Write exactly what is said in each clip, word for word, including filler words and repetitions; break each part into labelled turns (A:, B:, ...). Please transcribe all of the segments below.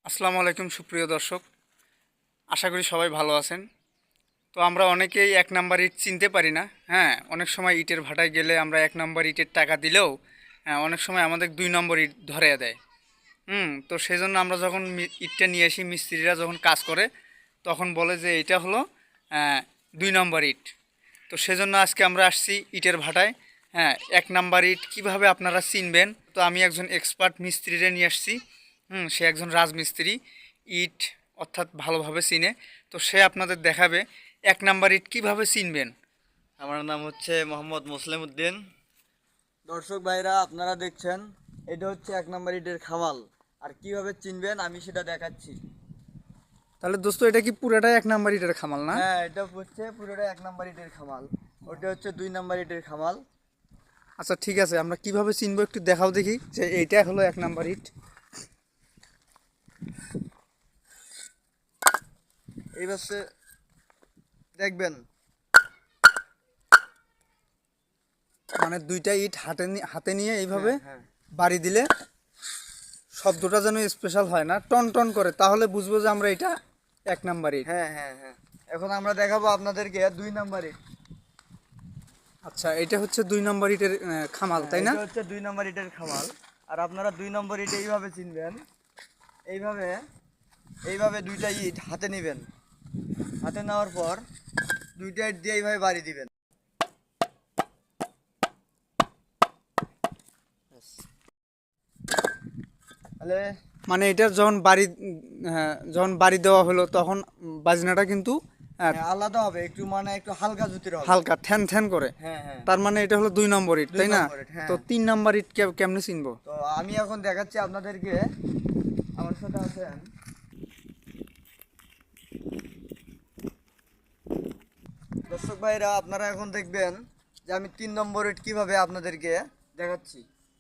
A: আসসালামু আলাইকুম সুপ্রিয় দর্শক, আশা করি সবাই ভালো আছেন। তো আমরা অনেকেই এক নাম্বার ইট চিনতে পারি না। হ্যাঁ, অনেক সময় ইটের ভাটায় গেলে আমরা এক নাম্বার ইটের টাকা দিলেও হ্যাঁ, অনেক সময় আমাদের দুই নম্বর ইট ধরে দেয়। হুম তো সেই জন্য আমরা যখন মি- ইটটা নিয়ে আসি, মিস্ত্রিরা যখন কাজ করে তখন বলে যে এটা হলো আহ, দুই নম্বর ইট। তো সেজন্য আজকে আমরা আসছি ইটের ভাটায়। হ্যাঁ, এক নাম্বার ইট কীভাবে আপনারা চিনবেন, তো আমি একজন এক্সপার্ট মিস্ত্রিরে নিয়ে আসছি। হুম সে একজন রাজমিস্ত্রি, ইট অর্থাৎ ভালোভাবে চিনে। তো সে আপনাদের দেখাবে এক নাম্বার ইট কীভাবে চিনবেন।
B: আমার নাম হচ্ছে মোহাম্মদ মুসলিম উদ্দিন। দর্শক ভাইরা, আপনারা দেখছেন এটা হচ্ছে এক নম্বর ইটের খামাল। আর কিভাবে চিনবেন আমি সেটা দেখাচ্ছি।
A: তাহলে দোস্ত, এটা কি পুরোটাই এক নাম্বার ইটের খামাল না?
B: হ্যাঁ, এটা হচ্ছে পুরোটা এক নম্বর ইটের খামাল, ওটা হচ্ছে দুই নম্বর ইটের খামাল।
A: আচ্ছা ঠিক আছে, আমরা কিভাবে চিনবো একটু দেখাও দেখি যে এইটা হলো এক নাম্বার ইট।
B: এইবার সে দেখবেন।
A: মানে দুইটা ইট হাতে নি- হাতে নিয়ে এইভাবে
B: হ্যাঁ, হ্যাঁ।
A: বাড়ি দিলে শব্দটা যেন স্পেশাল হয় না, টন টন করে, তাহলে বুঝবো যে আমরা এটা এক নাম্বার ইট।
B: হ্যাঁ, হ্যাঁ, হ্যাঁ। এখন আমরা দেখাবো আপনাদেরকে দুই নম্বর ইট।
A: আচ্ছা, এটা হচ্ছে দুই নাম্বার ইটের আহ, খামাল, তাই না?
B: এটা হচ্ছে দুই নম্বর ইটের খামাল। আর আপনারা দুই নম্বর ইট এইভাবে চিনবেন। এইভাবে এইভাবে দুইটা ইট হাতে নেবেন। হাতে নেওয়ার পর দুইটা ইট দিয়ে এইভাবে বাড়ি দিবেন। তাহলে
A: মানে এটা যখন বাড়ি উম, হ্যাঁ, যখন বাড়ি দেওয়া হলো তখন বাজনাটা কিন্তু আহ,
B: হ্যাঁ, আলাদা হবে একটু, মানে একটু হালকা জুতির হবে।
A: হালকা ঠ্যান ঠ্যান করে।
B: হ্যাঁ, হ্যাঁ।
A: তার মানে এটা হলো দুই নম্বর ইট,
B: দুই
A: তাই না?
B: নম্বর ইট, হ্যাঁ।
A: তো তিন নাম্বার ইট কে- কেমনে চিনবো?
B: তো আমি এখন দেখাচ্ছি আপনাদেরকে। আমার সাথে আছেন দর্শক ভাইরা, আপনারা এখন দেখবেন যে আমি তিন নম্বর ইট কিভাবে আপনাদেরকে দেখাচ্ছি।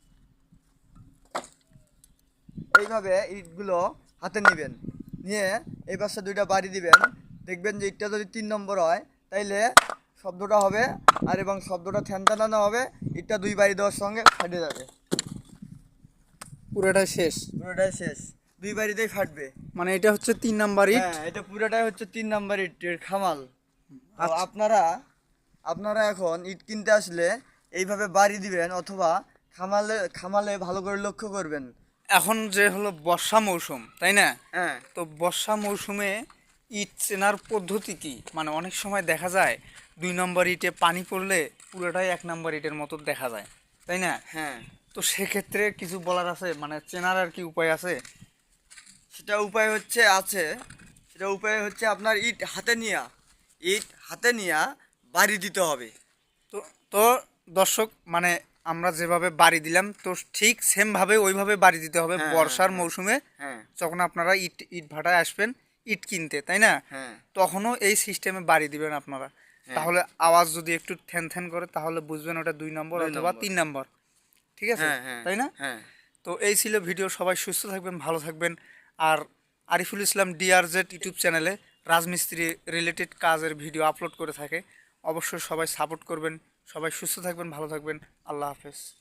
B: এইভাবে ইটগুলো হাতে নেবেন, নিয়ে এই পাশে দুইটা বাড়ি দিবেন। দেখবেন যে ইটটা যদি তিন নম্বর হয় তাইলে শব্দটা হবে, আর এবং শব্দটা ঠ্যানটানানো হবে। ইটটা দুই বাড়ি দেওয়ার সঙ্গে ফাটে যাবে।
A: পুরোটাই শেষ।
B: পুরোটাই শেষ, দুই বাড়িতেই ফাটবে।
A: মানে এটা হচ্ছে তিন নাম্বার ইট।
B: হ্যাঁ, এটা পুরোটাই হচ্ছে তিন নাম্বার ইটের খামাল। তো
A: আচ্ছা।
B: আপনারা আপনারা এখন ইট কিনতে আসলে এইভাবে বাড়ি দিবেন, অথবা খামালে খামালে ভালো করে লক্ষ্য করবেন।
A: এখন যে হলো বর্ষা মৌসুম, তাই না?
B: হ্যাঁ,
A: তো বর্ষা মৌসুমে ইট চেনার পদ্ধতি কি? মানে অনেক সময় দেখা যায় দুই নম্বর ইটে পানি পড়লে পুরোটাই এক নম্বর ইটের মতো দেখা যায়, তাই না?
B: হ্যাঁ।
A: তো সেক্ষেত্রে কিছু বলার আছে, মানে চেনার আর কি উপায় আছে?
B: সেটা উপায় হচ্ছে আছে সেটা উপায় হচ্ছে আপনার ইট হাতে নিয়া ইট হাতে নিয়া বাড়ি দিতে হবে।
A: তো তো দর্শক, মানে আমরা যেভাবে বাড়ি দিলাম তো ঠিক সেমভাবে ওইভাবে বাড়ি দিতে হবে
B: হ্যাঁ,
A: বর্ষার
B: হ্যাঁ,
A: মৌসুমে।
B: হ্যাঁ,
A: যখন আপনারা ইট ইট ভাটায় আসবেন ইট কিনতে, তাই না?
B: হ্যাঁ,
A: তখনও এই সিস্টেমে বাড়ি দিবেন আপনারা।
B: হ্যাঁ।
A: তাহলে আওয়াজ যদি একটু থ্যান থ্যান করে তাহলে বুঝবেন ওটা দুই নম্বর
B: দুই
A: অথবা
B: নম্বর।
A: তিন নম্বর। ঠিক আছে,
B: হ্যাঁ, হ্যাঁ,
A: তাই না?
B: হ্যাঁ।
A: তো এই ছিল ভিডিও। সবাই সুস্থ থাকবেন, ভালো থাকবেন। আর আরিফুল ইসলাম ডিআরজেড ইউটিউব চ্যানেলে রাজমিস্ত্রি রিলেটেড কাজের ভিডিও আপলোড করে থাকে। অবশ্যই সবাই সাপোর্ট করবেন। সবাই সুস্থ থাকবেন, ভালো থাকবেন। আল্লাহ হাফেজ।